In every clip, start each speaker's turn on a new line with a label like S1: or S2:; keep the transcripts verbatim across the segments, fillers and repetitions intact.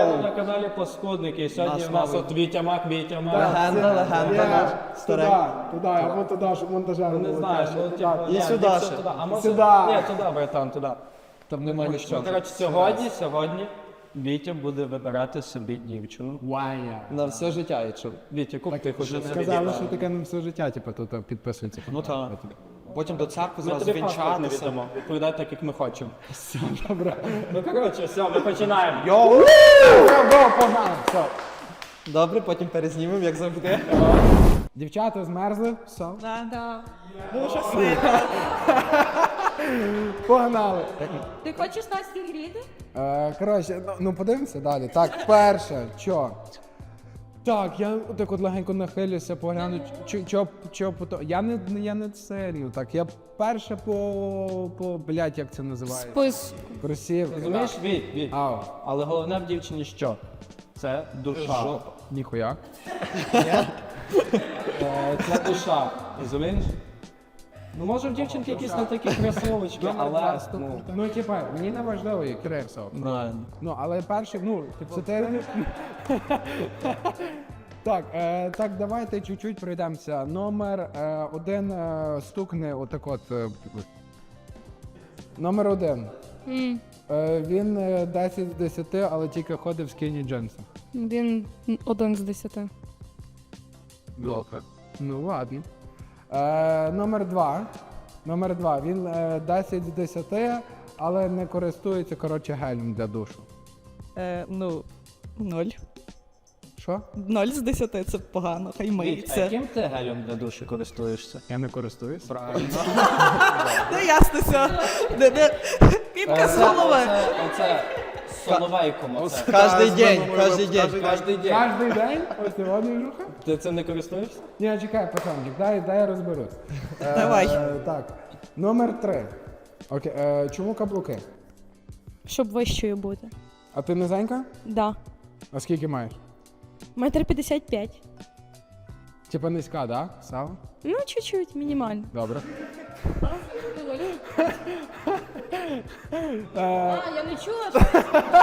S1: Вітаю на каналі Паскудники. Сьогодні у нас от Вітя Мак, Вітя Мак.
S2: Легенда, легенда наш.
S3: Туди, туди, або туди, щоб монтажер
S1: Не знаю, ну типу,
S2: І
S1: ні,
S2: сюди
S1: ліпше
S2: ще.
S1: туди. А може,
S3: Сюди.
S1: ні, туди, братан, туди.
S2: Там немає
S1: Ну,
S2: нічого.
S1: коротше, сьогодні, сьогодні Вітя буде вибирати собі дівчину.
S3: Ваня.
S2: На все життя, якщо.
S1: Вітя, куп ти хочеш
S3: Сказали, що таке на все життя, типу, тут підписується.
S2: Ну так. Потім до церкви
S1: Ми
S2: зразу
S1: тобі паспорт не
S2: вінчатися.
S1: віддамо. Відповідай так, як ми хочемо.
S3: Добре.
S1: Ну, коротше, все, ми починаємо.
S2: Йоу!
S3: Го, погнали, все.
S2: Добре, потім перезнімемо, як завжди.
S3: Дівчата змерзли, все.
S4: Да.
S3: Погнали.
S4: Ти хочеш нас зігріти?
S3: Е, коротше, ну, ну подивимося далі. Так, перше, що? Так, я так от легенько нахилюся, погляну, що, що, що, що, я не, я не сильно, так, я перше по, по, блядь, як це називається?
S4: Спис.
S3: Просів.
S1: Розумієш, Віт, Віт.
S3: Ау,
S1: Але головне в дівчині що? Це душа.
S3: ніхуя.
S1: Е, Це душа, розумієш? Ну, може в дівчинки якісь не такі красивочки, але, ну,
S3: Ну, типа, мені не важливо, як кресо.
S2: Правильно.
S3: Ну, але перший, ну, типу, це те... Так, е, так, давайте чуть-чуть пройдемося. Номер е, один е, стукне отак от. Е, номер один. Е, він е, десять з десяти, але тільки ходить в скіні джинсах.
S4: Він один з десяти.
S3: Добре. Ну, ладно. Е, номер два. Номер два. Він е, десять з десяти, але не користується, коротше, гелем для душу.
S5: Е, ну, ноль.
S3: Що?
S5: Ноль з десяти це погано, хай
S1: Віт, а
S5: миється.
S1: яким ти гелем для душі користуєшся?
S3: Я не користуюсь.
S1: Правильно.
S5: Ну ясно все. Не, не. Піпка з голови.
S1: Оце, оце, з соловейком оце.
S2: Кожний день, кожен день.
S1: Кожний день.
S3: Кожний день? Ось сьогодні жуха?
S1: Ти цим не користуєшся?
S3: Ні, чекай, пацанчик, дай, дай я розберусь.
S5: Давай.
S3: Е, так, номер три. Окей, е, чому каблуки?
S4: Щоб вищою бути.
S3: А ти низенька?
S4: Да.
S3: А скільки маєш?
S4: Метр п'ятдесят п'ять.
S3: Типа низька, да? Сава?
S4: Ну, чуть-чуть, мінімально.
S3: Добре.
S4: А, я не чула, що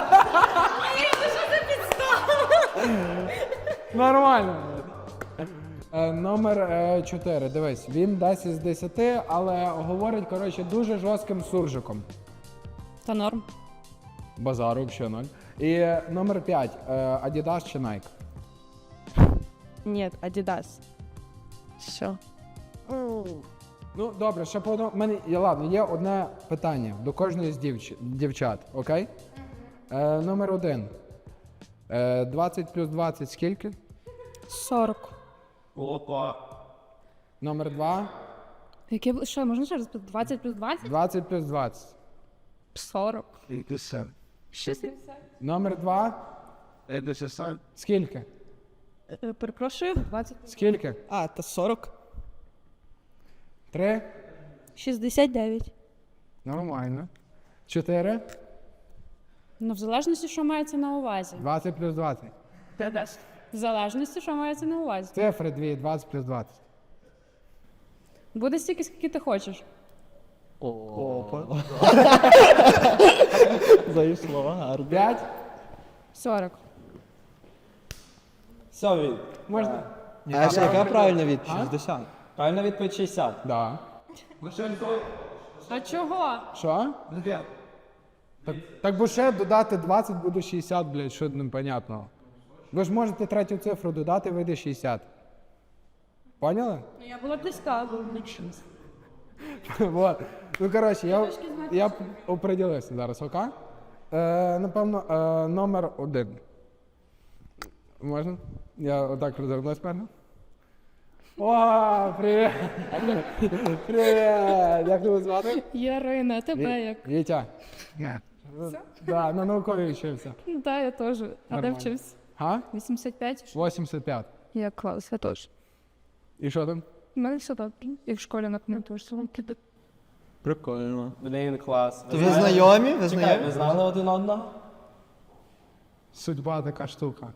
S3: Нормально. Е, номер е, чотири. Дивись, він десять з десяти, але говорить, коротше, дуже жорстким суржиком.
S4: Та норм.
S3: Базару взагалі ноль. І е, номер п'ять. Е, Adidas чи Nike?
S4: Ні, Адідас. Що?
S3: Ну, добре, ще по одному. Мене, я, ладно, є одне питання до кожної з дівч... дівчат, окей? Е, номер один. Е, двадцять плюс двадцять скільки?
S4: сорок.
S1: Опа.
S3: Номер два.
S4: Яке, бу- що, можна ще раз? двадцять плюс двадцять?
S3: двадцять плюс двадцять.
S4: сорок. шістдесят.
S3: Номер два. Скільки?
S5: Е, Перепрошую.
S4: двадцять.
S3: Скільки?
S5: А, та сорок.
S3: Три.
S4: шістдесят дев'ять.
S3: Нормально. Чотири.
S4: Ну, в залежності, що мається на увазі.
S3: двадцять плюс двадцять.
S4: В залежності, що мається на увазі.
S3: Цифри дві. двадцять плюс двадцять.
S4: Буде стільки, скільки ти хочеш.
S2: Опа. Зайшло, гарно.
S3: П'ять.
S4: сорок.
S1: Все, Віт.
S3: Можна?
S2: А ще яка правильна відповідь? шістдесят.
S1: Правильно відповідь шістдесят.
S3: Да.
S4: А чого?
S3: Що? Так, так бо ще додати двадцять буде шістдесят, блядь, що непонятного. Ви ж можете третю цифру додати, вийде шістдесят. Поняли?
S4: Ну, я була близька.
S3: Вот. Ну, коротше, я, я оприділився зараз, окей? Е, напевно, е, номер один. Можна? Я отак розвернусь, певно. О, привіт! Привіт! Як тебе звати?
S4: Ярина, тебе як?
S3: Вітя. Да, на науковій вчився.
S4: Ну, так, я теж. А де
S3: Нормально.
S4: вчився?
S3: Га?
S4: вісімдесят п'ять?
S3: вісімдесят п'ять.
S4: Я клас, я теж.
S3: І що там?
S4: У мене все добре. І в школі на книгу теж.
S2: Прикольно.
S1: Блін, клас.
S2: То ви знайомі? Ви
S1: Чекай,
S2: знайомі?
S1: ви знали один одного?
S3: Судьба така штука.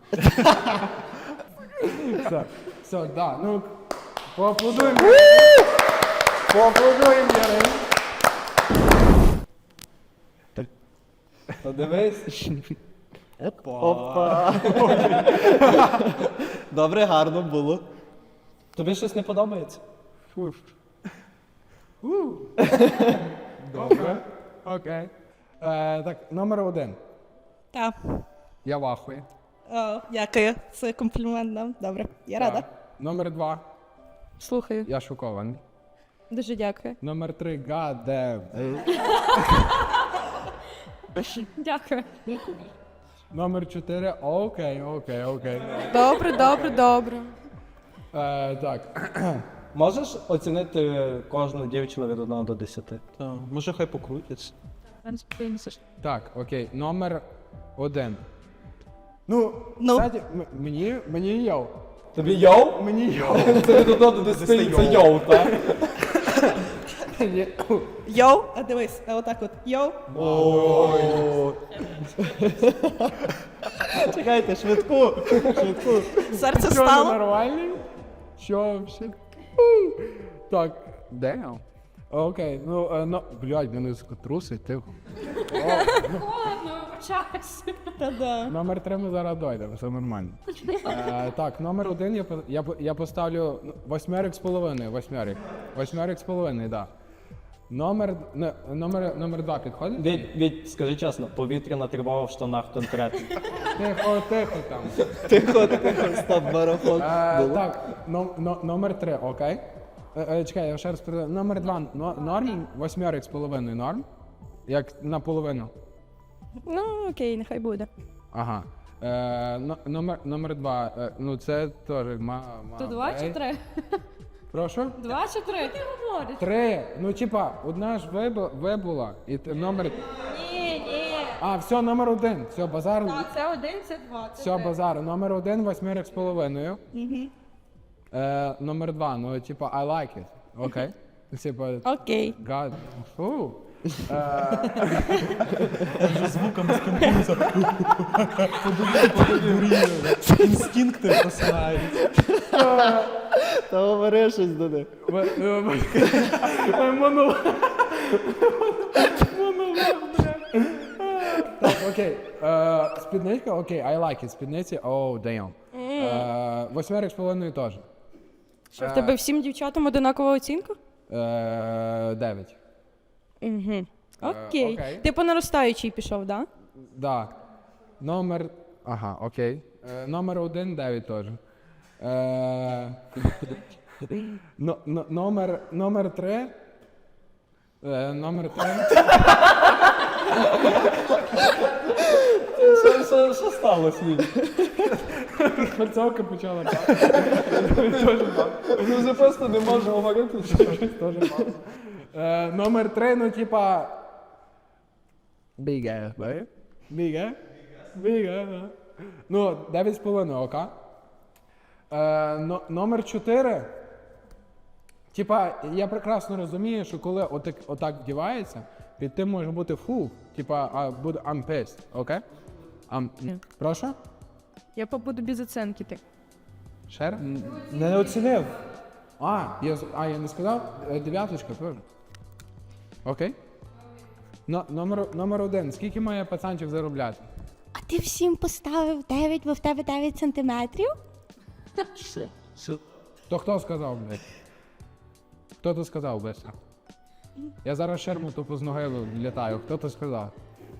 S3: Все, все, да, ну, поаплодуємо. Поаплодуємо, Ярин.
S1: Подивись.
S2: Опа. Добре, гарно було.
S1: Тобі щось не подобається?
S3: Добре. Окей. Е, так, номер один.
S5: Так.
S3: Я в ахуї.
S5: О, дякую. Це комплімент нам. Добре. Я рада.
S3: Так. Номер два.
S4: Слухаю.
S3: Я шокований.
S4: Дуже дякую.
S3: Номер три. God damn.
S4: Дякую.
S3: Номер чотири. Окей, окей, окей.
S4: Добре, добре, добре.
S3: Е, так.
S1: Можеш оцінити кожну дівчину від одного до десяти?
S2: Так, може хай покрутяться.
S3: Так, окей. Номер один. Ну,
S5: Ну.
S3: кстати, м- мені, мені йоу.
S1: Тобі йоу?
S3: Мені йоу.
S1: Це від одного до десяти, це йоу, так?
S5: Йоу, а дивись, а отак от. Йоу.
S2: Чекайте, швидку. Швидку.
S5: Серце
S3: Що, не
S5: стало.
S3: нормальний? Що вообще? Так, damn. Окей, ну, е, ну, блядь, мене трусить, тихо.
S4: Холодно, вибачаюсь.
S5: Та-да.
S3: Номер три ми зараз дойдемо, все нормально. Е, так, номер один я, по- я, по- я поставлю ну, восьмерик з половиною, восьмерик. Восьмерик з половиною, так. Да. Номер, не, номер, номер два підходить?
S1: Від, від, скажи чесно, повітряна тривога в штанах конкретно.
S3: Тихо, тихо там.
S2: Тихо, тихо, стоп, марафон.
S3: Е,
S2: Було?
S3: так, но, но, номер три, окей. Е, е, чекай, я ще раз передаю. Номер два но, норм, восьмерик з половиною норм. Як наполовину.
S4: Ну, окей, нехай буде.
S3: Ага. Е, но, номер, номер два, е, ну це теж ма, ма,
S4: То два чи
S3: окей.
S4: три?
S3: Прошу?
S4: Два чи три? Ти говориш.
S3: Три. Ну, типа, одна ж вибу- вибула, і т- номер.
S4: Ні, ні.
S3: А, все, номер один. Все, базар.
S4: Це один, це два. Це
S3: Все,
S4: три.
S3: базар. Номер один, восьмерик з половиною. Е, номер два, ну, типа, I like it. Окей. Типа,
S5: Окей.
S3: God. Фу.
S2: Звуками спілкуються. Інстинкти просинаються. Та говори щось до них.
S3: Монолог. Монолог, бля. Так, окей. Е, Спідничка, окей, I like it. Спідниці, oh, damn. Е, Восьмерик з половиною теж.
S4: Що, в тебе всім дівчатам одинакова оцінка?
S3: Е, Дев'ять.
S4: Угу. Окей.
S3: окей.
S4: Ти по наростаючій пішов, так?
S3: Да. Номер. Ага, окей. Е, номер один, дев'ять теж. Е, но, но, номер, номер три. Е, номер три.
S1: Що, що, що сталося? Ні?
S3: Перцовка почала.
S1: Ми вже просто не можемо говорити.
S3: Теж мало. Е, номер три, ну типа. Біге, бе? Біге? Біге, да. Ну, дев'ять з половиною, ока. Е, но, номер чотири. Типа, я прекрасно розумію, що коли отак, отак вдівається, під тим може бути фу. Типа, а буде I'm pissed, окей? I'm... Прошу?
S4: Я побуду без оценки. Ти.
S3: Ще раз?
S2: Не оцінив.
S3: А, я, з- а, я не сказав? Е, Дев'яточка теж. Окей. Но, номер, номер один. Скільки має пацанчик заробляти?
S6: А ти всім поставив дев'ять, бо в тебе дев'ять сантиметрів?
S3: То хто сказав, блядь? Хто то сказав, быстро? Я зараз шерму тупо з ноги літаю. Хто то сказав?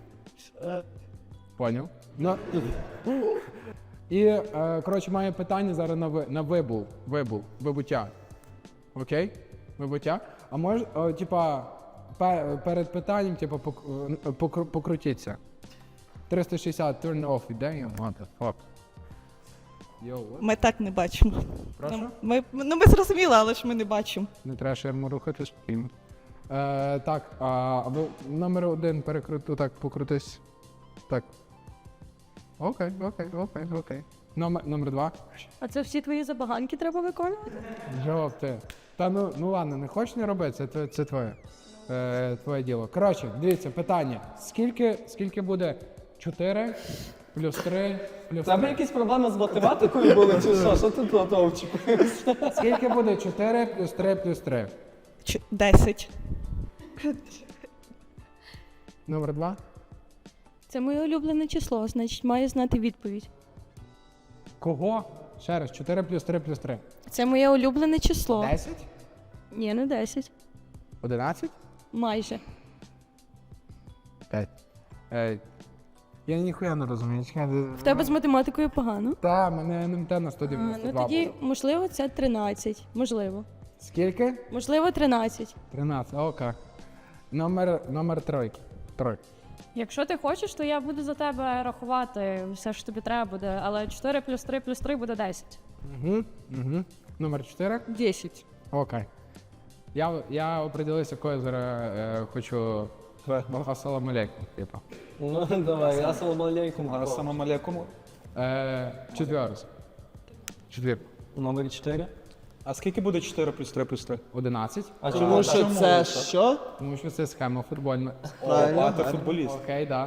S3: Поняв? Ну, і, е, коротше, має питання зараз на, ви, на вибул, вибул, вибуття. Окей? Вибуття. А може, о, типа, пе- перед питанням, типа, пок, е, покру- покрутіться. триста шістдесят turn off іде, what the fuck. Йоу, what?
S5: Ми так не бачимо.
S3: Прошу?
S5: Ми, ну ми зрозуміли, але ж ми не бачимо.
S3: Не треба ширму рухати спільно. Е, так, а ви номер один перекруту, так, покрутись. Так. Окей, окей, окей, окей. Номер, номер два.
S4: А це всі твої забаганки треба виконувати?
S3: Жовт ти. Та ну, ну ладно, не хочеш не роби, це, тво- це твоє. Е, твоє діло. Коротше, дивіться, питання. Скільки, скільки буде чотири плюс три плюс
S1: Тебе
S3: три?
S1: якісь проблеми з математикою були, чи що? Що ти тут очікуєш?
S3: Скільки буде чотири плюс три плюс три?
S5: Ч- Десять.
S3: Номер два.
S7: Це моє улюблене число, значить маю знати відповідь.
S3: Кого? Ще раз, чотири плюс три плюс три.
S7: Це моє улюблене число.
S3: десять?
S7: Ні, не десять.
S3: одинадцять?
S7: Майже.
S3: п'ять. Ей. Я ніхуя не розумію.
S7: В тебе з математикою погано.
S3: Та, мене ен ем те на сто
S7: А,
S3: дев'яносто
S7: ну
S3: два
S7: тоді,
S3: було.
S7: можливо, це тринадцять. Можливо.
S3: Скільки?
S7: Можливо, тринадцять.
S3: тринадцять, окей. Номер, номер тройки. Тройка.
S4: Якщо ти хочеш, то я буду за тебе рахувати все, що тобі треба буде, але чотири плюс три плюс три буде десять.
S3: Угу, угу. Номер чотири?
S7: Десять.
S3: Окей. Я, я определився, кого я зараз е, хочу. Ассаламу алейкум, типа.
S1: Ну, давай, ассаламу алейкум.
S2: Ассаламу алейкум.
S3: Е, четверос. Четвірку.
S1: Номер чотири.
S2: А скільки буде чотири плюс три плюс три?
S3: одинадцять.
S1: А
S8: Тому
S1: чому
S8: що це що?
S3: Тому що це схема футбольна.
S8: Правильно.
S2: А, ти футболіст.
S3: Окей, да.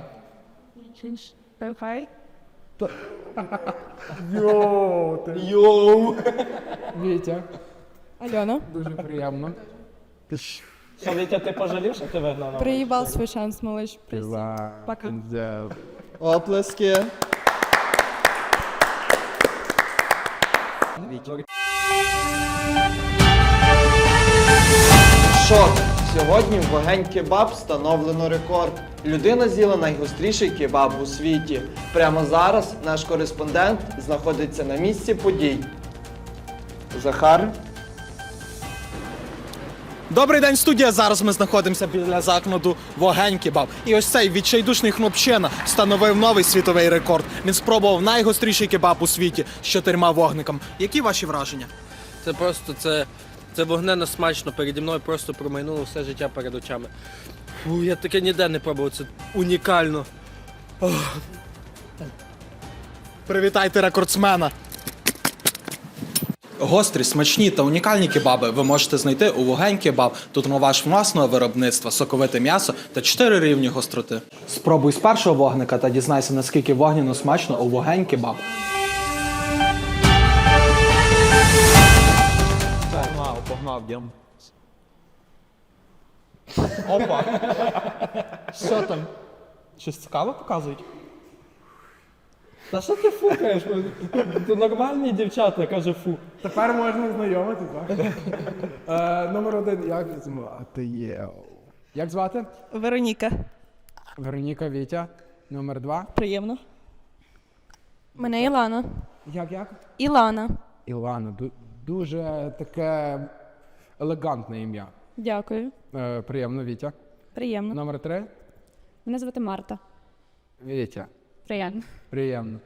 S7: Хай.
S8: Йоу!
S3: Вітя,
S7: Альона.
S3: дуже приємно.
S1: Що, Вітя, ти пожалів, що ти вигнав номер?
S7: Приїбав свій шанс, малиш. Пока.
S8: Оплески. Шок. Сьогодні в вогень кебаб встановлено рекорд. Людина з'їла найгостріший кебаб у світі. Прямо зараз наш кореспондент знаходиться на місці подій. Захар.
S9: Добрий день, студія. Зараз ми знаходимося біля закладу «Вогень кебаб». І ось цей відчайдушний хлопчина встановив новий світовий рекорд. Він спробував найгостріший кебаб у світі з чотирма вогниками. Які ваші враження?
S10: Це просто це, це вогненно смачно. Переді мною просто промайнуло все життя перед очами. Фу, я таке ніде не пробував, це унікально. Ох.
S9: Привітайте рекордсмена! Гострі, смачні та унікальні кебаби ви можете знайти у «Вогень кебаб». Тут ваш власного виробництва, соковите м'ясо та чотири рівні гостроти. Спробуй з першого вогника та дізнайся, наскільки вогняно смачно у «Вогень кебаб».
S2: Погнав, погнав, дім. Опа. Що там? Щось цікаве показують?
S1: Та що ти фукаєш? Ти нормальні дівчата, каже фу.
S3: Тепер можна знайомити, так? е, номер один, як звати є? Як звати?
S5: Вероніка.
S3: Вероніка, Вітя. Номер два.
S5: Приємно.
S7: Мене Ілана.
S3: Як, як?
S7: Ілана.
S3: Ілана. Ду- дуже таке елегантне ім'я.
S7: Дякую.
S3: Е, приємно, Вітя.
S7: Приємно.
S3: Номер три.
S4: Мене звати Марта.
S3: Вітя.
S4: Приємно.
S3: Приємно.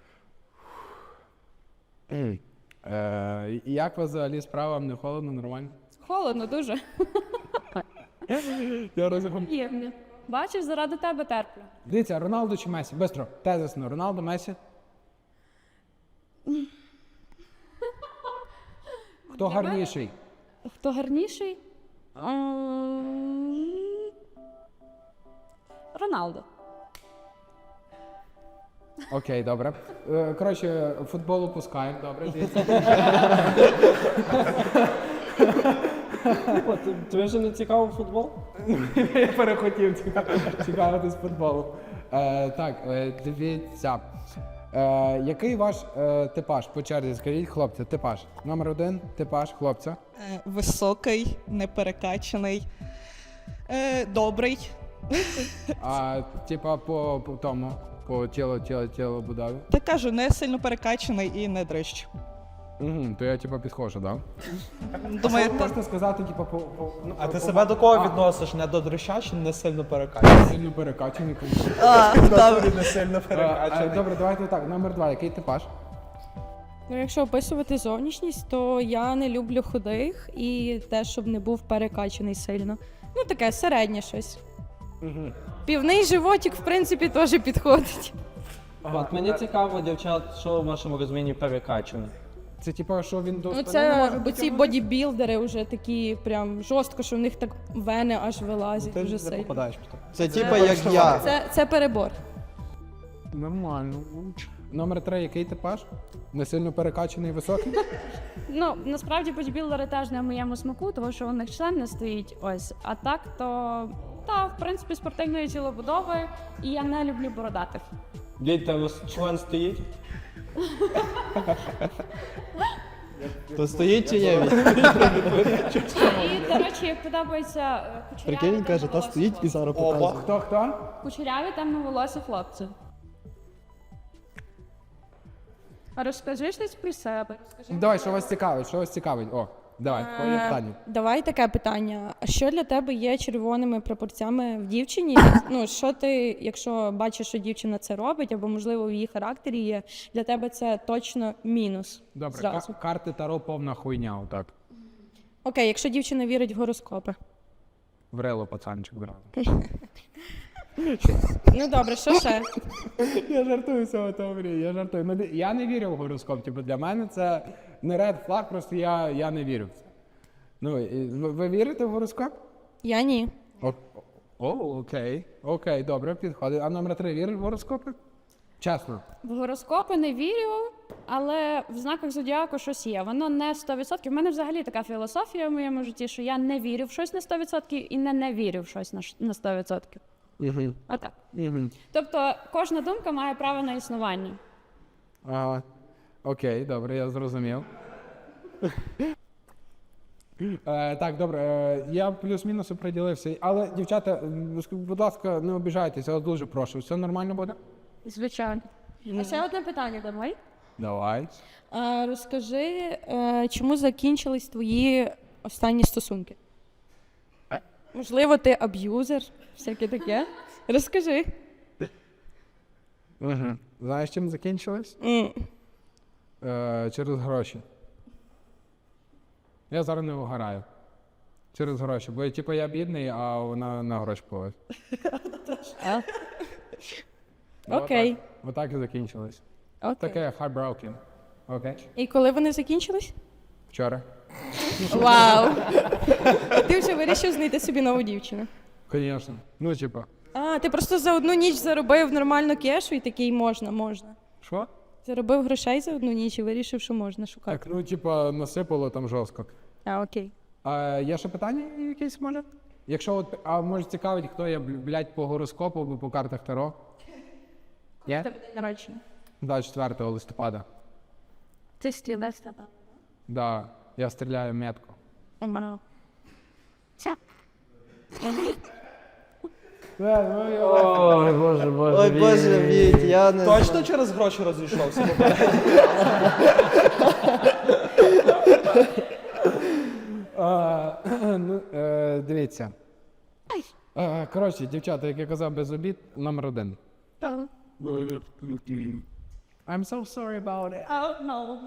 S3: Ей. Е, як у вас взагалі справа? Вам не холодно, нормально?
S4: Холодно дуже.
S3: Я розумію.
S4: Приємно. Бачиш, заради тебе терплю.
S3: Дивіться, Роналду чи Месі? Бистро, тезисно. Роналду, Месі? Хто гарніший?
S4: Хто гарніший? М, Роналдо.
S3: Окей, добре. Е, Коротше, футбол пускаємо, добре. дивіться.
S1: О, ти- Тобі вже не цікавий футбол?
S3: Я перехотів ціка- цікавитись футболом. Е, так, е, дивіться. Е, який ваш е, типаж по черзі? Скажіть, хлопці, типаж. Номер один, типаж хлопця.
S5: Е, Високий, неперекачаний, е, добрий.
S3: А типа по, по тому, по тілу, тілу, тілу будові.
S5: Та кажу, не сильно перекачаний і не дрищ.
S3: Угу, то я типа підходжу, так?
S5: Думаю,
S3: Що ви
S5: та-
S3: можете сказати, типа, по, по, ну,
S2: А
S3: по-
S2: ти
S3: по-
S2: себе до кого
S3: А,
S2: відносиш? Не до дрища чи не сильно перекачаний?
S3: Сильно перекачаний, звісно.
S5: А, добре.
S2: Не сильно
S3: Е, е,
S2: перекачаний.
S3: Добре, давайте так. Номер два, який типаж?
S7: Ну, якщо описувати зовнішність, то я не люблю худих і те, щоб не був перекачаний сильно. Ну, таке середнє щось. Півний животик, в принципі, теж підходить.
S1: От мені цікаво, дівчат, що в вашому розумінні перекачане.
S3: Це типа, що він до
S7: Ну,
S3: спини не
S7: це
S3: може
S7: оці
S3: дотягнути?
S7: бодібілдери вже такі прям жорстко, що в них так вени аж вилазять
S2: Ти
S7: дуже
S2: не
S7: сильно.
S2: попадаєш в то.
S8: Це типа як я.
S7: Це, це перебор.
S3: Нормально. Номер три, який типаж? Не сильно перекачаний, високий?
S4: Ну, насправді бодібілдери теж не в моєму смаку, тому що у них член не стоїть. Ось. А так, то та, в в принципі, спортивної тілобудови, і я не люблю бородатих.
S1: Дід, там член стоїть?
S8: То стоїть чи є?
S4: І, до речі, подобається е, кучеряві темноволосі хлопці.
S8: зараз
S3: Опа. Хто, хто?
S4: Кучеряві темноволосі хлопці. А розкажи щось про себе. Розкажи
S3: Давай,
S4: про-
S3: що вас цікавить, що вас цікавить? О, давай, твоє
S7: Е,
S3: питання.
S7: Давай таке питання. А що для тебе є червоними прапорцями в дівчині? Ну, що ти, якщо бачиш, що дівчина це робить, або, можливо, в її характері є, для тебе це точно мінус.
S3: Добре,
S7: зразу.
S3: ка- карти Таро повна хуйня, отак.
S7: Окей, якщо дівчина вірить в гороскопи.
S3: Врело, пацанчик, зразу.
S7: Ну добре, що ще?
S3: Я жартую з цього теорії, я жартую. Ну, я не вірю в гороскоп, типу, для мене це не ред флаг, просто я, я не вірю в це. Ну, і ви, ви вірите в гороскоп?
S7: Я ні.
S3: О, о, окей, окей, добре, підходить. А номер три віриш в гороскопи? Чесно.
S4: В гороскопи не вірю, але в знаках зодіаку щось є. Воно не сто відсотків. У мене взагалі така філософія в моєму житті, що я не вірю в щось на сто відсотків і не не вірю в щось на ш- на сто відсотків.
S3: Угу.
S4: А так.
S3: Угу.
S4: Тобто кожна думка має право на існування.
S3: Ага. Окей, добре, я зрозумів. Е, так, добре, е, я плюс-мінус оприділився. Але, дівчата, м, будь ласка, не обіжайтеся, я вас дуже прошу. Все нормально буде?
S4: Звичайно. А ще одне питання давай.
S3: Давай.
S7: А, розкажи, е, чому закінчились твої останні стосунки? Можливо, ти аб'юзер, всяке таке. Розкажи.
S3: Угу. Знаєш, чим закінчилось?
S7: М.
S3: Е, через гроші. Я зараз не вигораю. Через гроші. Бо типу я бідний, а вона на гроші повез.
S7: Окей.
S3: Отак і закінчилось.
S7: Окей.
S3: Таке heartbroken. Окей.
S7: І коли вони закінчились?
S3: Вчора.
S7: Вау! Ти вже вирішив знайти собі нову дівчину.
S3: Звісно. Ну, типа.
S7: А, ти просто за одну ніч заробив нормально кешу і такий можна, можна.
S3: Що?
S7: Заробив грошей за одну ніч і вирішив, що можна шукати.
S3: Так, ну, типа, насипало там жорстко.
S7: А, окей.
S3: А є ще питання якесь може? Якщо от, а може цікавить, хто я, блядь, по гороскопу або по картах Таро? Є?
S7: Тебе день народження.
S3: Да, четвертого листопада.
S4: Ти стрілець.
S3: Да, я стріляю метко.
S7: Вау.
S1: Ой, боже, боже.
S8: Ой, Боже, Віть, я не
S2: Точно
S8: знаю.
S2: через гроші розійшовся?
S3: А, ну, е, дивіться. Е, коротше, дівчата, як я казав, без обід, номер один. I'm so sorry about it.
S4: Oh, no.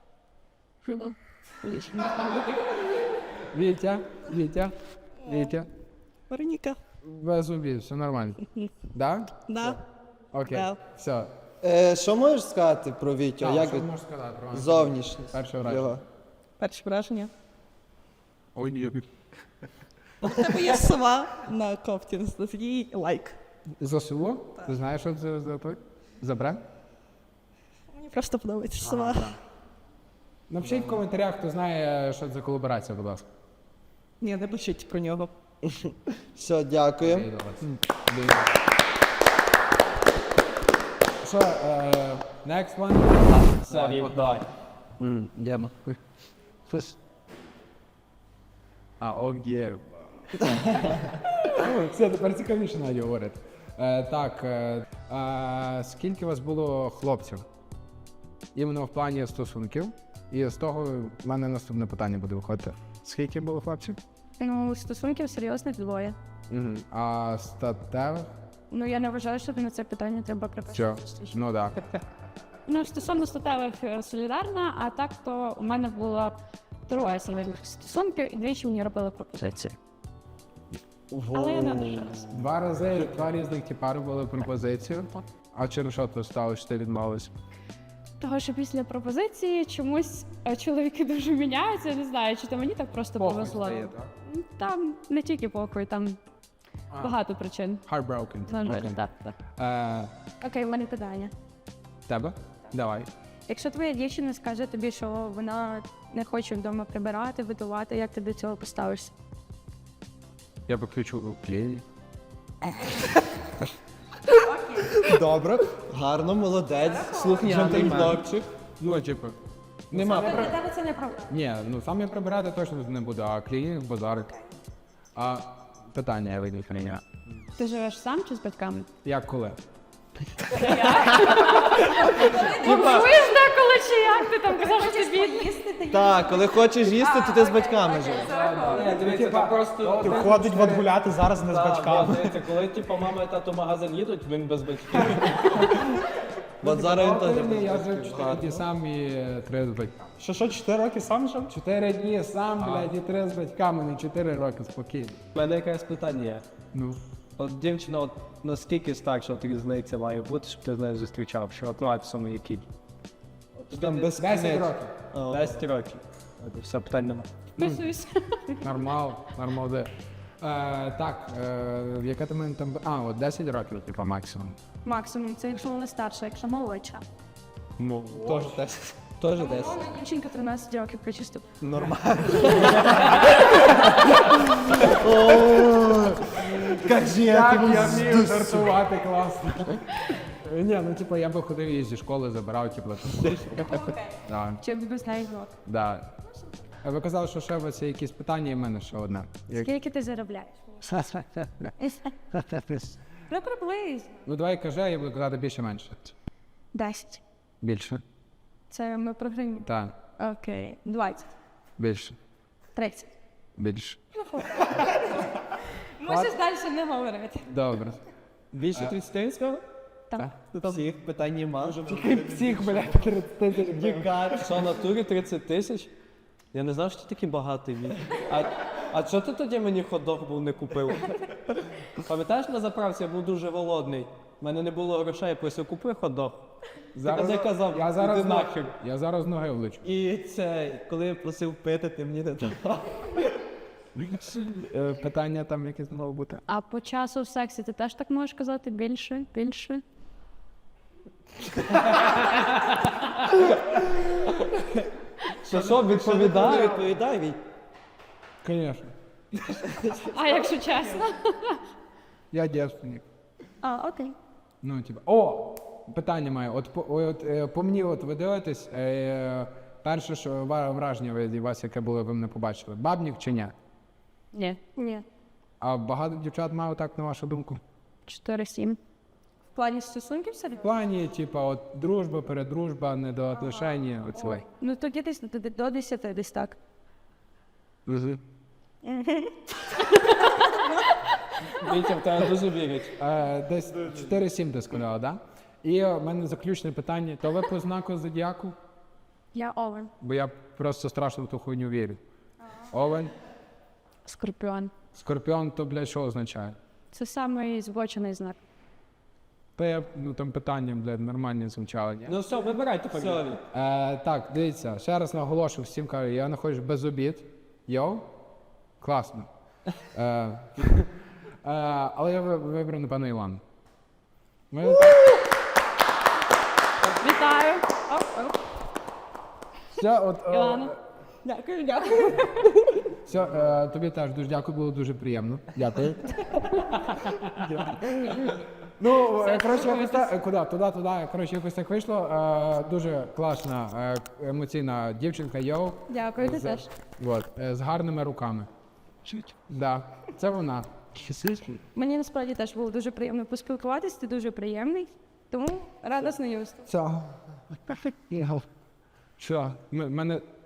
S3: Вітя, Вітя, Вітя.
S5: Вероніка.
S3: Без обід, все нормально. Да?
S5: Да.
S3: Окей,
S5: Да.
S3: все.
S8: Е, що можеш сказати про Вітю?
S3: Так,
S8: Як
S3: що
S8: від-
S3: можеш сказати про мене?
S8: зовнішність
S3: Перше враження.
S8: його?
S5: Перше враження.
S3: Ой, ні.
S5: У тебе є сова на кофті, тоді лайк.
S3: За село? Ти знаєш, що це за той? За бренд?
S5: Мені просто подобається сова.
S3: Напишіть в коментарях, хто знає, що це за колаборація, будь ласка.
S5: Ні, не пишіть про нього.
S8: Все, дякую.
S3: Окей, добре. Що, е, next one?
S1: Все, Вів, давай.
S2: Дяма.
S3: А, окей. Все, тепер цікавіше навіть говорити. Е, так, е, е, скільки у вас було хлопців? Іменно в плані стосунків. І з того в мене наступне питання буде виходити. Скільки було хлопців?
S4: Ну, стосунків серйозних двоє.
S3: Угу. А статевих?
S4: Ну, я не вважаю, що на це питання треба
S3: Що?
S4: приписати.
S3: Ну так.
S4: Ну, стосовно статевих е, солідарна, а так то у мене було троє солідних стосунків і двічі мені робили пропозиції. Але я не одружилась.
S3: Два рази, два різних типа робили пропозицію. А через що то сталося, що ти відмовилась?
S4: Того, що після пропозиції чомусь е, чоловіки дуже міняються, я не знаю, чи то мені так просто повезло.
S3: стає, так?
S4: Там не тільки похуй, там
S3: А.
S4: багато причин.
S3: Heartbroken.
S4: На жаль,
S3: Окей.
S4: так, так.
S3: Е,
S4: Окей, в мене питання.
S3: тебе? Давай.
S4: Якщо твоя дівчина скаже тобі, що вона не хоче вдома прибирати, готувати, як ти до цього поставишся?
S3: Я виключу клей. Добре.
S8: Гарно, молодець, слухняний
S3: Джентльмен.
S8: хлопчик.
S3: Ну, типу, нема.
S4: Для тебе це не проблема.
S3: Ні, ну сам я прибирати точно не буду, а клієнт базарить. А питання я вийду мене.
S4: Ти живеш сам чи з батьками?
S3: Як коли?
S4: Чуєш деколи чи як? Ти там казав, що ти бідний.
S8: Так, коли хочеш їсти, то ти з батьками живеш.
S1: Ні, дивіться, це просто...
S9: Ти ходить от гуляти зараз не з
S1: Так,
S9: батьками.
S1: дивіться, коли типу, мама і тато в магазин їдуть, він без батьків.
S8: От зараз він теж
S3: Ні, я
S8: без
S3: жив
S8: батьків.
S3: чотири дні сам і три з батьками.
S9: Що, що, чотири роки сам жив?
S3: Чотири дні сам, блядь, і три з батьками, не чотири роки спокійно.
S1: У мене якесь питання є.
S3: Ну.
S1: От дівчина, от наскільки старша от різниця має бути, щоб ти з нею зустрічав, що от має в самому якій?
S8: Там без
S3: десять років.
S1: десять років. От, все, питань нема.
S4: Вписуюсь.
S3: Нормал, нормал де. Е, так, е, яка ти мене там. А, от десять років, типа, максимум.
S4: Максимум, це якщо вона старша, якщо молодша.
S3: Ну,
S8: Теж десять. Теж десять.
S4: Вона дівчинка тринадцять років причистив.
S8: Кажи,
S3: так, я вмію жартувати, класно. Ні, ну типу, я би ходив її зі школи, забирав, типу. Да,
S4: Чи без неї рок?
S3: да. А ви казали, що ще у вас є якісь питання, і в мене ще одне. Як-
S4: Скільки ти заробляєш? Ну, приблизно.
S3: Ну давай кажи, я буду казати більше-менше.
S4: Десять.
S3: Більше.
S4: Це ми про гривні.
S3: Так,
S4: Окей. Двадцять.
S3: більше.
S4: Тридцять.
S3: Більше.
S4: Можеш далі не говорити.
S3: Добре.
S8: Більше тридцять сказав?
S4: Так.
S8: Всіх питань нема.
S3: Всіх, блядь, тридцять тисяч.
S1: Що, в натурі тридцять тисяч? Я не знав, що ти такий багатий мій. А, а чого ти тоді мені хот-дог був не купив? Пам'ятаєш, на заправці я був дуже голодний. У мене не було грошей, я просив, купи хот-дог.
S3: Зараз,
S1: я казав,
S3: я зараз,
S1: іди нахер.
S3: я зараз ноги влечу.
S8: І це, коли я просив пити, ти мені не давав.
S3: Е, Питання там якесь мало бути.
S4: А по часу в сексі ти теж так можеш казати? Більше, більше?
S1: Що, що, відповідаю?
S8: Відповідай, Віть.
S3: Звісно.
S4: А якщо чесно?
S3: Я дівчинник.
S4: А, окей.
S3: Ну, типа, о, питання маю. От, по- от е, по мені, от ви дивитесь, е, перше, що ва- враження від вас, яке було, ви мене побачили, бабнік чи ні?
S4: Ні. Ні.
S3: А багато дівчат має так, на вашу думку?
S4: Чотири сім. В плані стосунків собі?
S3: В плані, типа, от дружба, передружба, недоотлишення, оцей.
S4: Ну тоді десь до- до десяти, десь так.
S1: Вітя, в тебе дуже вірять.
S3: Е, десь чотири сім ти сказала, да? І в мене заключне питання. То ви по знаку зодіаку?
S4: Я овен.
S3: Бо я просто страшно в ту хуйню вірю. Овен,
S4: Скорпіон.
S3: скорпіон, то, блядь, що означає?
S4: Це самий збочений знак.
S3: Та я, ну там питання, блядь, нормальні звучали. ні?
S1: Ну все, вибирайте фамілію.
S3: Е, так, дивіться, ще раз наголошую всім кажу, я знаходжусь без обід. Йоу, класно. Е, е, але я ви- вибрав, напевно, Ілан. Ми-
S4: Вітаю!
S3: Все, от, е,
S4: Ілана. Дякую, дякую.
S3: все, е, тобі теж дуже дякую, було дуже приємно. Дякую. Ну, е, коротше, якось так, е, куди? Туди, туди. Коротше, якось так вийшло. Е, дуже класна, е, емоційна дівчинка, йоу.
S4: Дякую, ти
S3: З-
S4: теж.
S3: От, е, з гарними руками. Да, це вона.
S7: Мені насправді теж було дуже приємно поспілкуватись, ти дуже приємний. Тому рада знайомству.
S3: Все. Що? М- мене